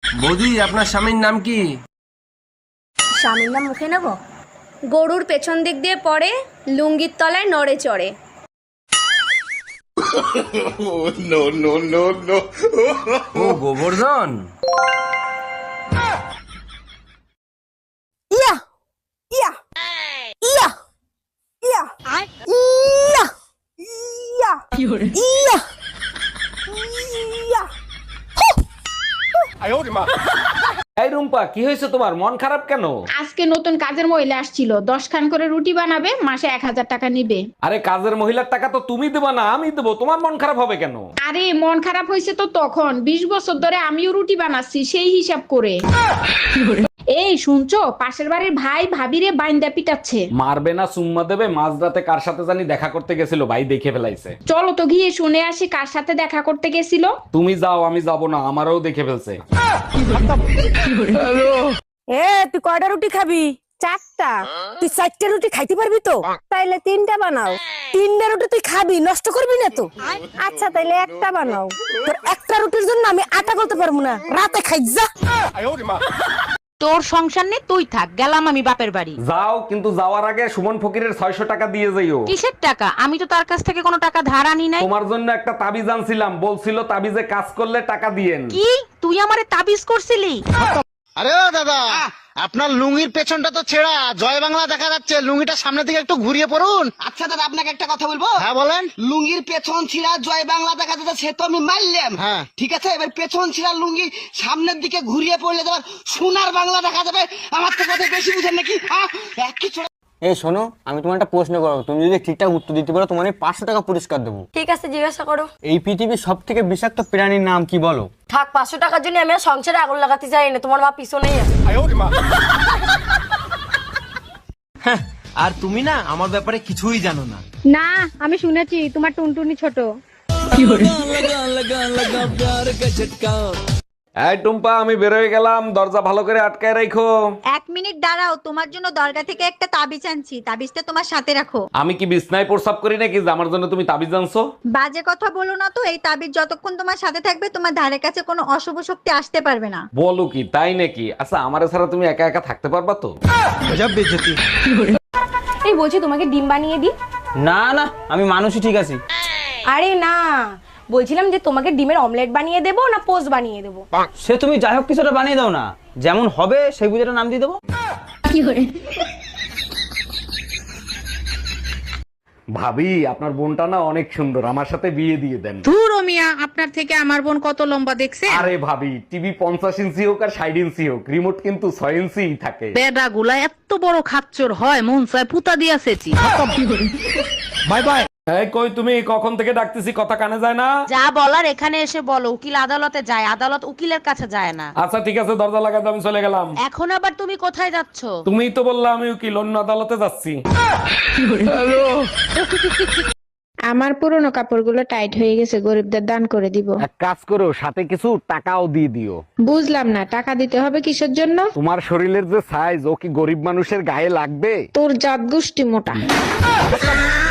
বৌদি আপনার স্বামীর নাম কি? স্বামীর নাম মুখে নেব? গরুর পেছন দিক দিয়ে পড়ে, লুঙ্গির তলায় নড়ে চড়ে। ও গোবর্ধন। ইয়া ইয়া ইয়া ইয়া ইয়া ইয়া ইয়া ইয়া। এই রুম্পা, কি হয়েছে তোমার? মন খারাপ কেন? আজকে নতুন কাজের মহিলা আসছিল, 10 খান করে রুটি বানাবে, মাসে 1000 টাকা নিবে। আরে কাজের মহিলার টাকা তো তুমি দেবা না, আমি দেবো। তোমার মন খারাপ হবে কেন? আরে মন খারাপ হয়েছে তো তখন, 20 বছর ধরে আমিও রুটি বানাচ্ছি সেই হিসাব করে। এই শুনছো, পাশের বাড়ির ভাই ভাবিরে বাইন্দা পিটাচ্ছে। মারবে না চুম্মা দেবে? মাঝরাতে কার সাথে জানি দেখা করতে গেছিল, ভাই দেখে ফেলাইছে। চলো তো গিয়ে শুনে আসি কার সাথে দেখা করতে গেছিল। তুমি যাও, আমি যাব না, আমারও দেখে ফেলছে। এ তুই কয়টা রুটি খাবি? 4টা। তুই 4টা রুটি খাইতে পারবি তো? তাইলে 3টা বানাও। 3টা রুটি তুই খাবি, নষ্ট করবি না তো? আচ্ছা তাইলে একটা বানাও। তোর একটা রুটির জন্য আমি আটা করতে পারবো না, রাতে খাই যা। তোর সংসার নেই, তুই থাক, গেলাম আমি বাপের বাড়ি। যাও, কিন্তু যাওয়ার আগে সুমন ফকিরের 600 টাকা দিয়ে যাইও। কিসের টাকা? আমি তো তার কাছ থেকে কোনো টাকা ধার আনি নাই। তোমার জন্য একটা তাবিজ আনছিলাম, বলছিল তাবিজে কাজ করলে টাকা দিয়েন। কি তুই আমারে তাবিজ করছিলি? আরে ও দাদা, আপনার লুঙ্গির পেছনটা তো ছেঁড়া, জয় বাংলা দেখা যাচ্ছে, লুঙ্গিটা সামনের দিকে একটু ঘুরিয়ে পড়ুন। আচ্ছা দাদা, আপনাকে একটা কথা বলবো? হ্যাঁ বলেন। লুঙ্গির পেছন ছিঁড়া জয় বাংলা দেখা যাচ্ছে, সে তো আমি মারলাম। হ্যাঁ। ঠিক আছে, এবার পেছন ছিঁড়া লুঙ্গি সামনের দিকে ঘুরিয়ে পড়লে তোমার সোনার বাংলা দেখা যাবে। আমার তো কথা বেশি বুঝেন নাকি? একই ছোড়া। এই শোনো, আমি তোমার একটা প্রশ্ন করবো, তুমি যদি ঠিকঠাক উত্তর দিতে পারো তোমার 500 টাকা পুরস্কার দেবো। ঠিক আছে, জিজ্ঞাসা করো। এই পৃথিবীর সব থেকে বিষাক্ত প্রাণীর নাম কি বলো? থাক, 500 টাকার জন্য আমি আর সংসারে আগুন লাগাতে চাই না। তোমার মা পিছনেই আছে। আর তুমি না আমার ব্যাপারে কিছুই জানো না। না, আমি শুনেছি তোমার টুনটুনি ছোট। এই টুম্পা, আমি বেরোয় গেলাম, দরজা ভালো করে আটকায় রাখো। 1 মিনিট দাঁড়াও, তোমার জন্য দরগা থেকে একটা তাবিজ আনছি, তাবিজটা তোমার সাথে রাখো। আমি কি বিছনায় প্রস্রাব করি নাকি যে আমার জন্য তুমি তাবিজ আনছো? বাজে কথা বলো না তো। এই তাবিজ যতক্ষণ তোমার সাথে থাকবে, তোমার ধারে কাছে কোনো অশুভ শক্তি আসতে পারবে না। বলো কি, তাই নাকি? আচ্ছা, আমারে ছাড়া তুমি একা একা থাকতে পারবা তো? এই বলছি, তোমাকে ডিম বানিয়ে দিই? না না, আমি মানুষই ঠিক আছি। আরে না, বলছিলাম যে তোমাকে ডিমের অমলেট বানিয়ে দেবো না পোস্ট বানিয়ে দেবো? সে তুমি যাই হোক কিছুটা বানিয়ে দাও না, যেমন হবে সেই বুঝেটা নাম দিয়ে দেবো। ভাবি, আপনার বোনটা না অনেক সুন্দর, আমার সাথে বিয়ে দিয়ে দেন। ধুর ও মিয়া, আপনার থেকে আমার বোন কত লম্বা দেখছে? আরে ভাবি, টিভি 50 ইঞ্চি হোক আর 60 ইঞ্চি হোক, রিমোট কিন্তু 6 ইঞ্চি থাকে। বেডা গুলা এত বড় খাচ্চর হয়, মন চায় পুতা দিয়াছেছি। Bye bye. এই কই তুমি? কখন থেকে ডাকতেছি, কথা কানে যায় না? যা বলার এখানে এসে বলো। উকিল আদালতে যায়, আদালত উকিলের কাছে যায় না। আচ্ছা ঠিক আছে, দরজা লাগাতে আমি চলে গেলাম। এখন আবার তুমি কোথায় যাচ্ছ? তুমিই তো বললা আমি উকিল, অন্য আদালতে যাচ্ছি। আমার পুরনো কাপড়গুলো টাইট হয়ে গেছে, গরিবদের দান করে দিব। এক কাজ করো, সাথে কিছু টাকাও দিয়ে দিও। বুঝলাম না, টাকা দিতে হবে কিসের জন্য? তোমার শরীরের যে সাইজ, ও কি গরিব মানুষের গায়ে লাগবে? তোর জাত গোষ্ঠী মোটা।